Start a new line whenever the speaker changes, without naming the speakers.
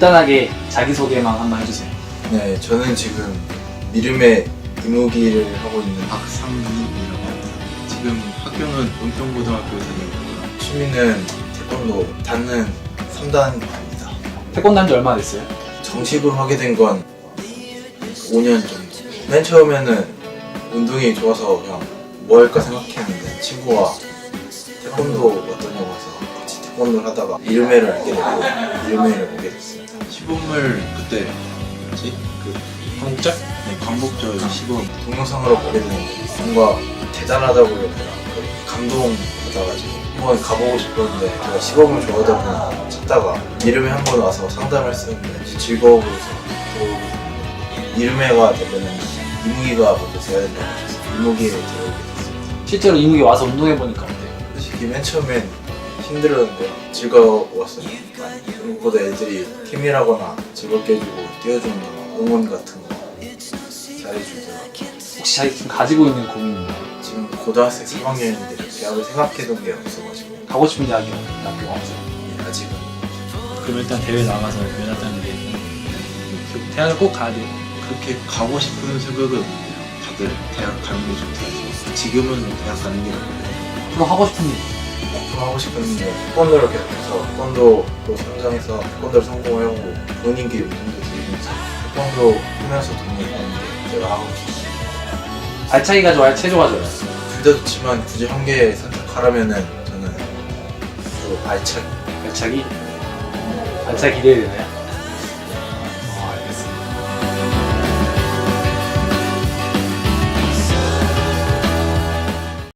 간단하게 자기소개만 한번 해주세요.
네, 저는 지금 미름의 이무기를 하고 있는
박상민이라고 합니다. 지금 학교는 은평고등학교에 다니고요.
취미는 태권도 닿는 3단입니다.
태권도 한 지 얼마나 됐어요?
정식으로 하게 된 건 5년 정도. 맨 처음에는 운동이 좋아서 그냥 뭐 할까 생각했는데 친구가 태권도 어떠냐고 해서 같이 태권도를 하다가 이름회를 알게 되고 이름회를 보게 됐습니다.
시범을 그때 뭐지? 그 광복절? 네, 광복절 시범.
동영상으로 보게 되는 뭔가 대단하다고 해야 되나 감동 받아가지고 한번 가보고 싶었는데 제가 시범을 좋아하다 보니까 찾다가 이름회 한 번 와서 상담을 했었는데 즐거워 보여서 들어오게 됐는데 이름회가 되면은 이무기가 먼저 돼야 된다고 하셔서 이무기에 들어오게 됐습니다.
실제로 이무기 와서 운동해보니까 어때요?
솔직히 맨 처음엔 힘들었는데 즐거웠어요. 무엇보다 애들이 팀이라거나 즐겁게 해주고 띄워주는 거 응원 같은 거 잘해주더라고요.
혹시 자기 지금 가지고 있는 고민이 뭐예요?
지금 고등학생 3학년인데 대학을 생각해둔 게 없어가지고
가고 싶은 대학교가 없어요.
아직은
그럼 일단 대회 나가서 면허따는 게 대학을 꼭 가야 돼요.
그렇게 가고 싶은 생각은 없는데요. 다들 대학 가는 게 좋다 해서 지금은 대학 가는 게 맞고요.
앞으로 하고 싶은 일.
앞으로 하고 싶은데 태권도를 계속해서 태권도로 성장해서 태권도를 성공하고 본인께 운동도 들이면서 태권도 하면서 돈을 버는 게 제가 하고 싶어요.
발차기가 좋아요? 체조가 좋아요?
둘 다 좋지만 굳이 한 개 선택하라면은 저는 그 발차기.
발차기? 발차기 기대되나요?